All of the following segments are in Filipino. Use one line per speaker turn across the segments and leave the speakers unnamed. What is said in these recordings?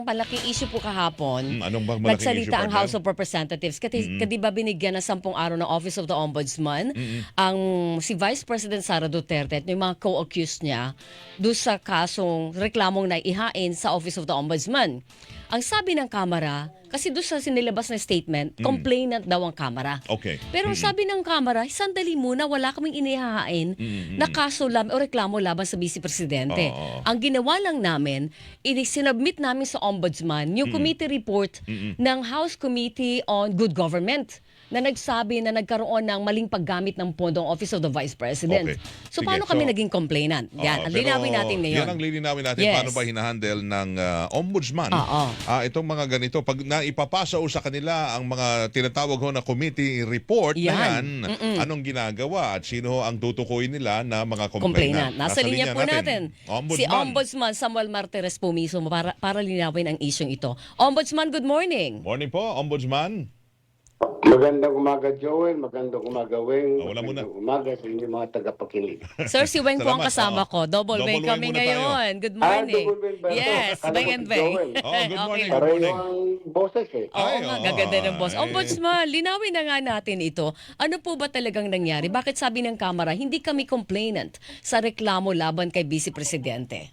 Malaking issue po kahapon,
Anong bang malaking issue,
nagsalita ang
partner?
House of Representatives. Kadi ba binigyan ng 10 araw ng Office of the Ombudsman ang si Vice President Sara Duterte at yung mga co-accused niya doon sa kasong reklamong naihain sa Office of the Ombudsman. Ang sabi ng Kamara, kasi doon sa sinilabas na statement, complainant daw ang Kamara.
Okay.
Pero ang sabi ng Kamara, sandali muna, wala kaming inihahain na kaso o reklamo laban sa Vice Presidente.
Oo.
Ang ginawa lang namin, sinubmit namin sa Ombudsman yung committee report ng House Committee on Good Government na nagsabi na nagkaroon ng maling paggamit ng pondong Office of the Vice President.
Okay.
So
Sige,
paano kami
so,
naging complainant? Yan, ang linawin natin ngayon.
Yan ang lilinawin natin.
Yes.
Paano ba hinahandle ng ombudsman
Oo.
itong mga ganito. Pag naipapasa o sa kanila ang mga tinatawag ho na committee report na
Yan.
yan, anong ginagawa at sino ang tutukuyin nila na mga complainant?
Nasa linya po natin. Si
Ombudsman.
Ombudsman Samuel Martires po mismo para linawin ang isyong ito. Ombudsman, good morning.
Morning po, Ombudsman.
Magandang umaga, Joel. Magandang umaga, Weng.
Wala muna.
Magandang umaga sa inyong mga tagapakinig.
Sir, si Weng po ang
Salamat.
kasama ko. Double
Double
Weng
Weng
kami
muna tayo.
ngayon. Good morning.
double Weng ba ito?
Yes,
Akala
Weng
ko
and
si
Weng.
Joel.
Oh, good morning.
Okay.
Good
Pareho
morning.
ang boses eh.
Oo
Ay,
nga,
oo.
gaganda ng boss.
Ay.
Ombudsman, linawin na nga natin ito. Ano po ba talagang nangyari? Bakit sabi ng Kamara, hindi kami complainant sa reklamo laban kay Vice Presidente?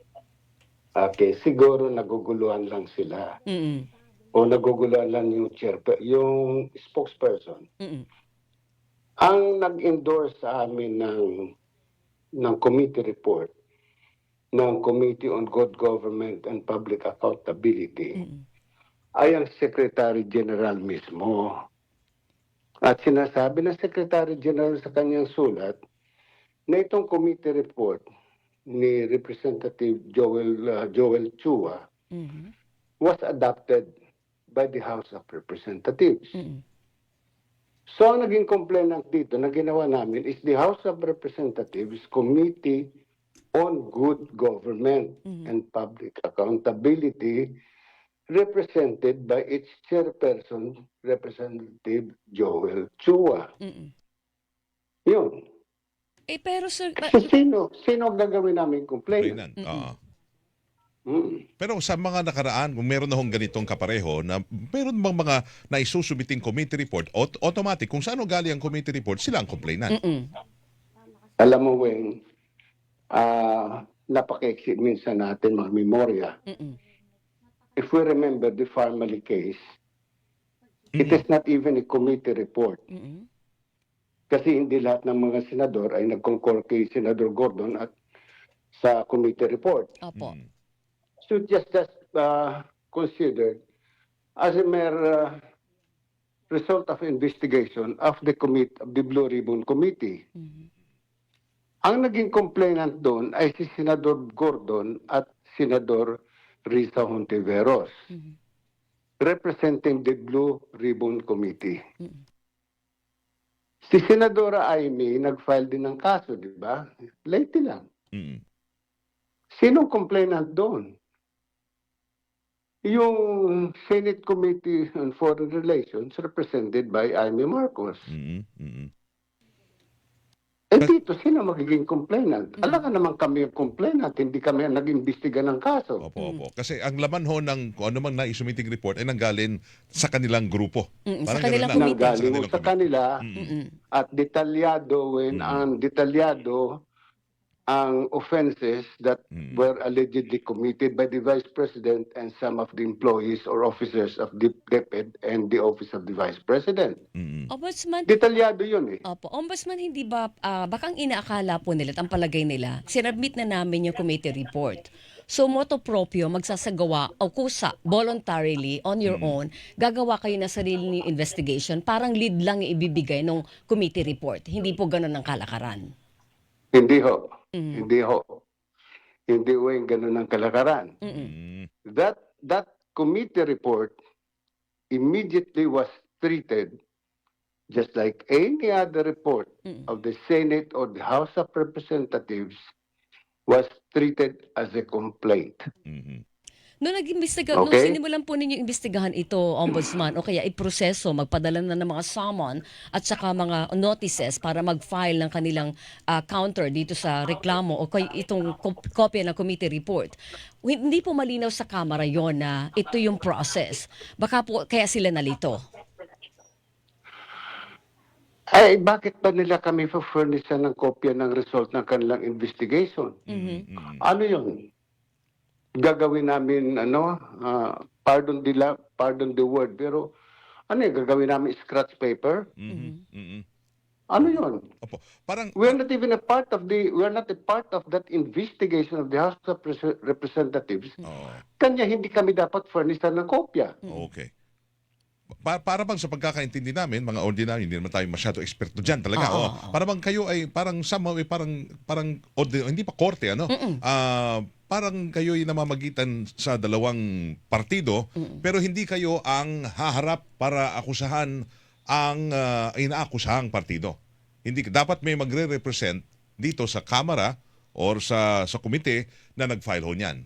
Okay, siguro naguguluhan lang sila.
Mm-mm.
O naguguluhan lang yung yung spokesperson.
Mm-mm.
Ang nag-endorse sa amin ng committee report ng Committee on Good Government and Public Accountability ay ang Secretary General mismo. At sinasabi ng Secretary General sa kanyang sulat na itong committee report ni Representative Joel Chua
Mhm.
was adopted by the House of Representatives.
Mm-mm.
So ang naging complainant dito na ginawa namin is the House of Representatives Committee on Good Government and Public Accountability, represented by its chairperson, Representative Joel Chua.
Mm-mm.
Yun.
Pero sir,
Sino ang gagawin namin complainant?
Complainant.
Mm.
Pero sa mga nakaraan, kung meron na hong ganitong kapareho, na meron bang mga naisusubiting committee report, automatic, kung saan galing ang committee report, sila ang complainant.
mm-mm.
Alam mo, Weng, napaka-exit minsan natin mga memorya.
Mm-mm.
If we remember the Farmally case, it is not even a committee report.
Mm-mm.
Kasi hindi lahat ng mga senador ay nag-concur kay Senador Gordon at sa committee report.
Opo.
So just considered as a mere result of investigation of the Blue Ribbon Committee.
Mhm.
Ang naging complainant doon ay si Senador Gordon at Senador Risa Hontiveros,
Mhm.
representing the Blue Ribbon Committee.
Mhm.
Si Senadora Amy nag-file din ng kaso, di ba? Late lang.
Mm.
Sinong complainant doon? Yung Senate Committee on Foreign Relations represented by Amy Marcos.
Mm. Mm.
Dito, sino magiging complainant? Alam ka naman kami yung complainant, hindi kami ang nag-imbestiga ng kaso.
Opo. Kasi ang laman ho ng kung ano mang naisumiting report ay nanggaling sa kanilang grupo.
Sa
Parang
kanilang
ganun lang.
committee.
Nanggaling mo sa kanila
Mm-mm.
at detalyado ang offenses that were allegedly committed by the Vice President and some of the employees or officers of the DepEd and the Office of the Vice President.
Mm.
Ombudsman,
Detalyado yun eh.
Opo, Ombudsman, hindi ba, bakang inaakala po nila, at ang palagay nila, sinabmit na namin yung committee report. So, moto proprio, magsasagawa o kusa, voluntarily, on your own, gagawa kayo na sarili ng investigation, parang lead lang yung ibibigay ng committee report. Hindi po ganun ang kalakaran.
Hindi ho. Hindi ho. Hindi ho yung ganun ang kalakaran.
Mm.
That committee report immediately was treated just like any other report of the Senate or the House of Representatives was treated as a complaint.
Mm.
Noong nag-imbestiga, nung
Okay?
sinimulan po ninyo imbestigahan ito, Ombudsman, o kaya iproseso, magpadala na ng mga summon at saka mga notices para mag-file ng kanilang counter dito sa reklamo o kay itong kopya ng committee report. Hindi po malinaw sa Kamara yon na ito yung process. Baka po kaya sila nalito.
Ay, bakit ba nila kami furnishan ng kopya ng result ng kanilang investigation? Ano yun? Gagawin namin, pardon the word, pero ano yun, gagawin namin scratch paper? Ano yun?
Opo. Parang
We're not even a part of that investigation of the House of Representatives.
Oo.
Kanya hindi kami dapat furnishan ng kopya.
Okay. Para bang sa pagkakaintindi namin, mga ordinary, hindi naman tayo masyado eksperto dyan talaga. Para bang kayo ay parang somehow ay parang hindi pa korte, ano? Parang kayo ay namamagitan sa dalawang partido, pero hindi kayo ang haharap para akusahan ang inaakusahang partido. Hindi dapat may magre-represent dito sa Kamara or sa komite na nag-file ho niyan.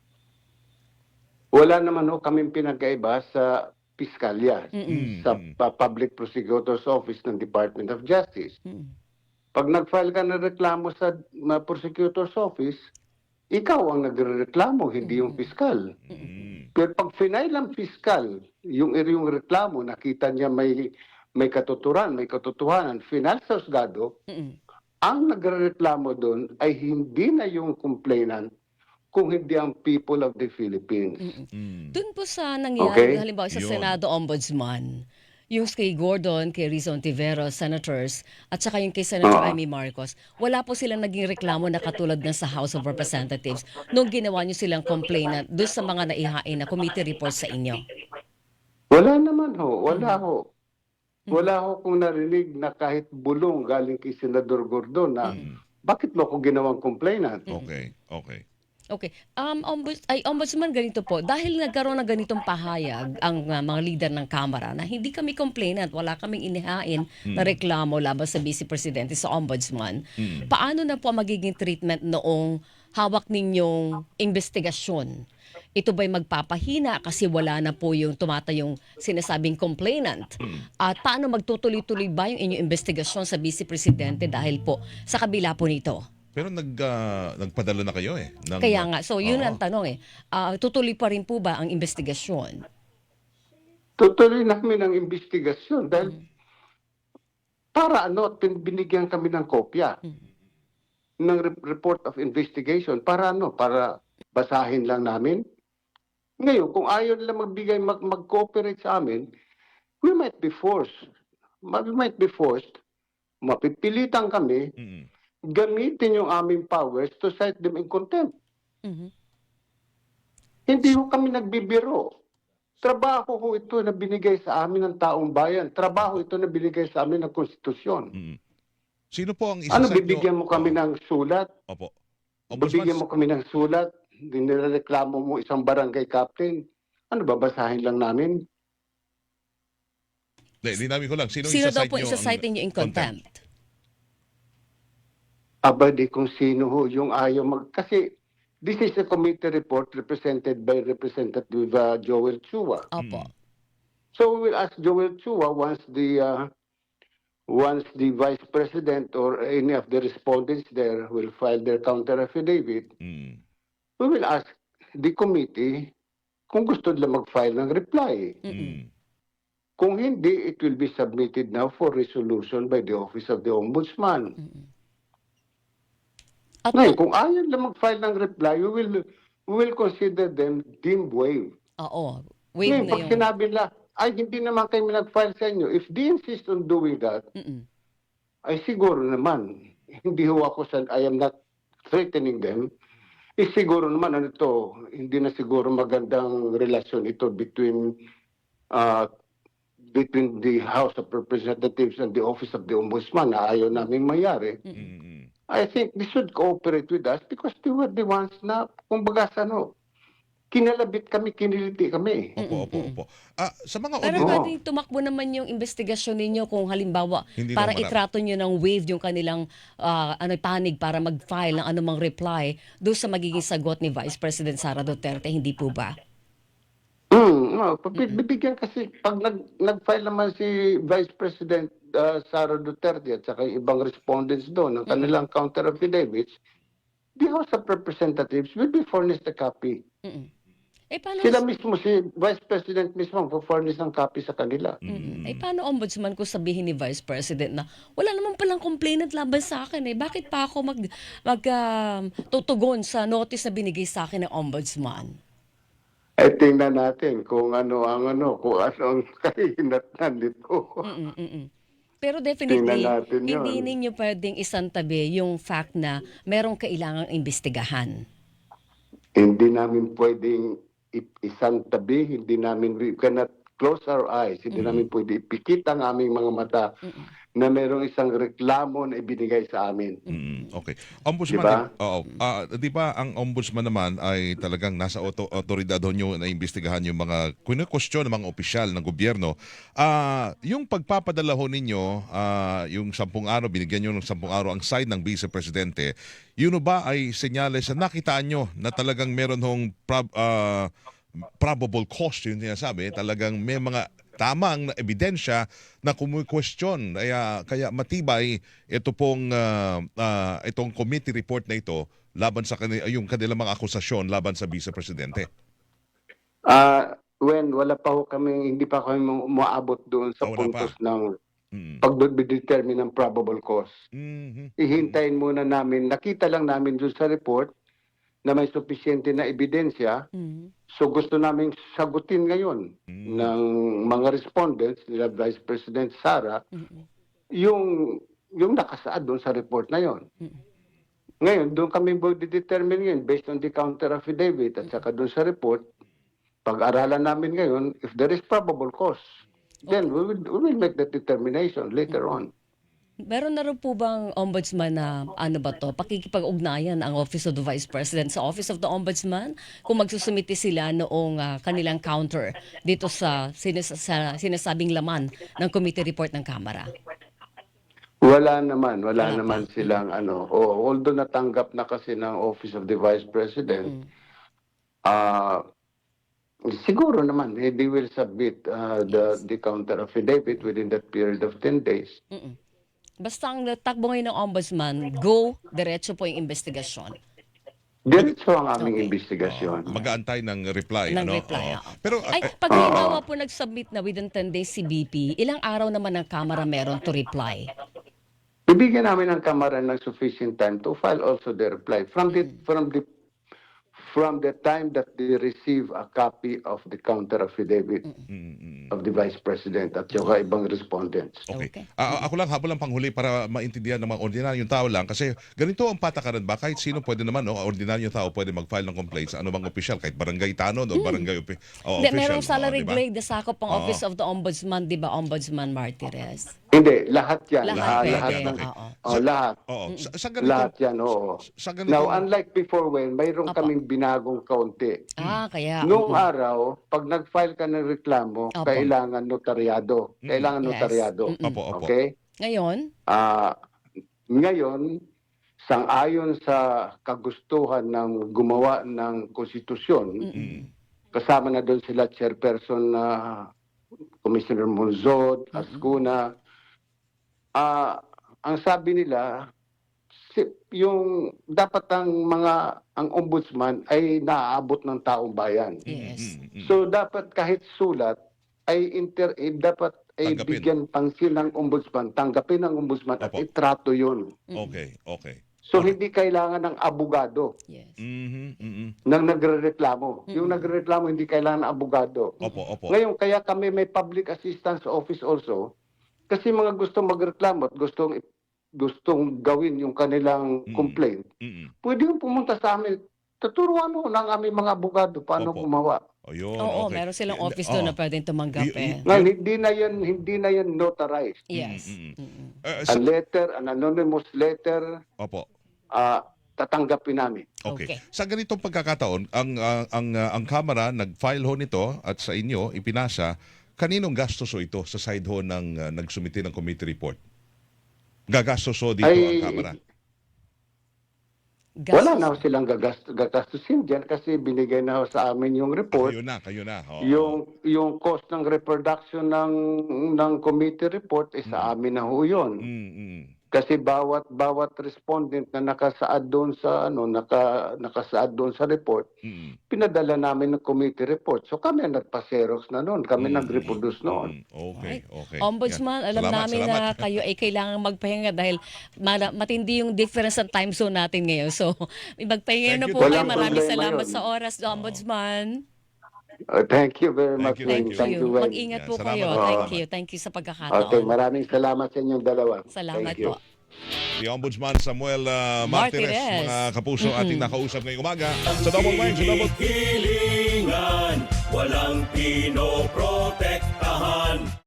Wala naman kaming pinagkaiba sa piskalya, sa Public Prosecutor's Office ng Department of Justice. Pag nag-file ka ng reklamo sa Prosecutor's Office, ikaw ang nagrereklamo, hindi yung piskal. Pero pag final ang piskal, yung reklamo, nakita niya may katuturan, may katotohanan, final sa husgado, ang nagrereklamo doon ay hindi na yung complainant, kung hindi ang people of the Philippines.
Doon po sa nangyari,
Okay.
halimbawa sa
Yun.
Senado Ombudsman, yung kay Gordon, kay Rizon Tiveros, senators, at saka yung kay Senator Amy Marcos, wala po silang naging reklamo na katulad ng sa House of Representatives nung ginawa nyo silang complainant doon sa mga naihain na committee reports sa inyo.
Wala naman wala ho. Wala ho kung narinig na kahit bulong galing kay Senador Gordon na bakit mo ako ginawang complainant?
Okay.
Okay. Ombudsman, ganito po. Dahil nagkaroon ng ganitong pahayag ang mga leader ng Kamara na hindi kami complainant, wala kaming inihain na reklamo laban sa Vice Presidente sa Ombudsman, paano na po ang magiging treatment noong hawak ninyong investigasyon? Ito ba'y magpapahina kasi wala na po yung tumatayong sinasabing complainant? At paano magtutuloy-tuloy ba yung inyong investigasyon sa Vice Presidente dahil po sa kabila po nito?
Pero nagpadala na kayo eh.
Kaya nga, so yun
Oo.
ang tanong tutuloy pa rin po ba ang investigasyon?
Tutuloy namin ang investigasyon dahil para binigyan kami ng kopya ng report of investigation para para basahin lang namin. Ngayon, kung ayaw nila mag-cooperate sa amin, we might be forced. Mapipilitan kami gamitin yung aming powers to cite them in contempt. Hindi ho kami nagbibiro. Trabaho ho ito na binigay sa amin ng taong bayan. Trabaho ito na binigay sa amin ng konstitusyon.
Sino po ang
Ano,
isa-cite
bibigyan mo kami ng sulat?
Opo.
Bibigyan mo kami ng sulat? Nireklamo mo isang barangay captain? Ano, babasahin lang namin?
Dinamin ko lang. Sino
Daw
isa-cite
po
nyo
isa-cite niyo in contempt?
Aba, di kung sino ho yung ayaw kasi this is a committee report represented by Representative Joel Chua.
Opo.
So we will ask Joel Chua once the Vice President or any of the respondents there will file their counter affidavit, we will ask the committee kung gusto nila mag-file ng reply. Kung hindi, it will be submitted now for resolution by the Office of the Ombudsman.
At
Ngayon, kung ayaw nila mag-file ng reply, we will consider them deemed waived.
oo, wave
Ngayon,
na
pag
yung...
sinabi nila, ay hindi naman kayo nag-file sa inyo, if they insist on doing that, ay siguro naman, hindi ho ako I am not threatening them, siguro naman hindi na siguro magandang relasyon ito between the House of Representatives and the Office of the Ombudsman na ayaw namin mayari. I think they should cooperate with us because they were the ones na, kumbaga kinalabit kami, kiniliti kami.
Opo. Sa mga
Pero
Oo.
pwedeng tumakbo naman yung investigasyon ninyo kung halimbawa
Hindi
para
naman
itrato nyo ng wave yung kanilang panig para mag-file ng anumang reply doon sa magiging sagot ni Vice President Sara Duterte, hindi po ba?
No, bibigyan kasi pag nag-file naman si Vice President Sara Duterte at saka yung ibang respondents doon ng kanilang counter affidavits, the House of Representatives will be furnished a copy.
Mm-mm. Paano,
Sila mismo, si Vice President mismo, ang furnish ng copy sa kanila.
paano ombudsman ko sabihin ni Vice President na wala naman palang complainant laban sa akin Bakit pa ako tutugon sa notice na binigay sa akin ng ombudsman?
Tingnan natin kung ano ang kahinatnan nito.
Pero
Tingnan
definitely,
natin yun.
hindi ninyo pwedeng isantabi yung fact na merong kailangang imbestigahan.
Hindi namin pwedeng isang tabi, we cannot close our eyes, hindi namin pwede ipikit ang aming mga mata na merong isang reklamo na ibinigay sa amin.
Okay. Ombudsman,
Diba?
di ba ang ombudsman naman ay talagang nasa otoridad nyo na imbestigahan yung mga kwestiyon ng mga opisyal ng gobyerno. Yung pagpapadala ho ninyo, yung 10 araw, binigyan nyo ng 10 araw ang side ng Vice Presidente, yun ba ay senyales na nakitaan nyo na talagang meron hong probable cause, yung sinasabi, talagang may mga tamang ebidensya na kumukwestiyon. Kaya matibay ito pong itong committee report na ito laban sa yung kanilang mga akusasyon laban sa Vice Presidente.
Wala pa ho kami, hindi pa kami umaabot doon sa
Wala pa.
puntos ng pag-determine ng probable cause. Ihintayin muna namin, nakita lang namin doon sa report na may sufisyente na ebidensya. So gusto namin sagutin ngayon ng mga respondents nila Vice President Sara yung nakasaad doon sa report na yon. Ngayon, doon kami determine ngayon based on the counter affidavit at saka doon sa report. Pag-aralan namin ngayon, if there is probable cause, then we will make that determination later on.
Meron na rin po bang ombudsman na pakikipag-ugnayan ang Office of the Vice President sa Office of the Ombudsman kung magsusumite sila noong kanilang counter dito sa sinasabing laman ng committee report ng Kamara?
Wala naman
pa.
silang although natanggap na kasi ng Office of the Vice President, siguro naman they will submit the counter affidavit within that period of 10 days.
Basta ang takbo ngayon ng ombudsman, diretso po yung investigasyon.
Diretso ang aming investigasyon.
Mag-aantay ng reply.
Ng reply,
Oo. Pero
pag halimbawa po nag-submit na within 10 days si BP, ilang araw naman ang Kamara meron to reply?
Bibigyan namin ng Kamara ng sufficient time to file also the reply from the time that they receive a copy of the counter affidavit of the Vice President at yung ibang respondents.
Okay.
Okay.
Ako lang habol lang panghuli para maintindihan ng mga ordinaryong tao lang kasi ganito ang patakaran ba kahit sino pwede naman ordinaryong tao pwede mag-file ng complaint sa anumang opisyal kahit barangay tanod o barangay official.
Merong salary
diba?
grade na sakop ang Office of the Ombudsman, di ba, Ombudsman Martires?
Hindi, lahat yan.
Lahat
Lahat
pwede,
ng,
oo.
lahat.
Oo. Sa ganito,
Lahat yan, oo.
Sa ganito,
Now, unlike before when, mayroon kaming binagong kaunti.
Kaya.
Noong araw, pag nag-file ka ng reklamo,
Opo.
kailangan notaryado. Kailangan
Yes.
notaryado.
Opo.
Okay?
Ngayon,
Ngayon, sang-ayon sa kagustuhan ng gumawa ng konstitusyon, kasama na doon sila chairperson na Commissioner Monzod, Ascuna, ang sabi nila, yung dapat ang ombudsman ay naaabot ng taong bayan.
yes.
So dapat kahit sulat ay dapat ay
Tanggapin.
bigyan pansin ng ombudsman, tanggapin ng ombudsman at
Opo.
itrato yun.
Okay.
So hindi kailangan ng abogado
Yes.
nang nagrereklamo. Yung nagrereklamo hindi kailangan ng abogado.
Opo.
Ngayon kaya kami may public assistance office also kasi mga gustong magreklamo at gustong gawin yung kanilang complaint. Pwede yung pumunta sa amin. Tuturuan mo ng aming mga abogado paano
Opo.
gumawa.
Ayun,
Oo,
okay.
meron silang office doon na pwedeng tumanggap
Ngayon, hindi na yan notarized.
Yes.
A letter, an anonymous letter,
Opo.
tatanggapin namin.
Okay.
Okay.
Sa ganitong pagkakataon, ang Kamara nag-file ho nito at sa inyo ipinasa, kaninong gastos ho ito sa side ho ng nagsumite ng committee report? Gagastos ho dito ang Kamara?
Wala na ho silang gagastusin dyan kasi binigay na ho sa amin yung report.
Kayo na. Oo.
Yung cost ng reproduction ng committee report sa amin na ho yun. Kasi bawat respondent na nakasaad doon sa nakasaad doon sa report, pinadala namin ng committee report. So kami ang nagpa-xerox na noon, kami nag-reproduce noon.
Okay.
Ombudsman,
Yan.
alam
Salamat,
namin
salamat.
na kayo ay kailangan magpahinga dahil matindi yung difference ng time zone natin ngayon. So, magpahinga na
Thank you.
po kayo.
Walang
Maraming
problema
salamat
yun.
sa oras, Ombudsman.
Thank you very much.
Thank you.
Thank you.
Mag-ingat po
Salamat
kayo.
po.
Thank you sa
Okay,
pagkakataon.
maraming salamat sa inyong dalawa.
Salamat
Thank you.
po.
Si Ombudsman Samuel Martires,
Martires.
mga kapuso, ating nakausap ngayong umaga sa Double Wine, sa Double
Hilingan, walang pinoprotektahan.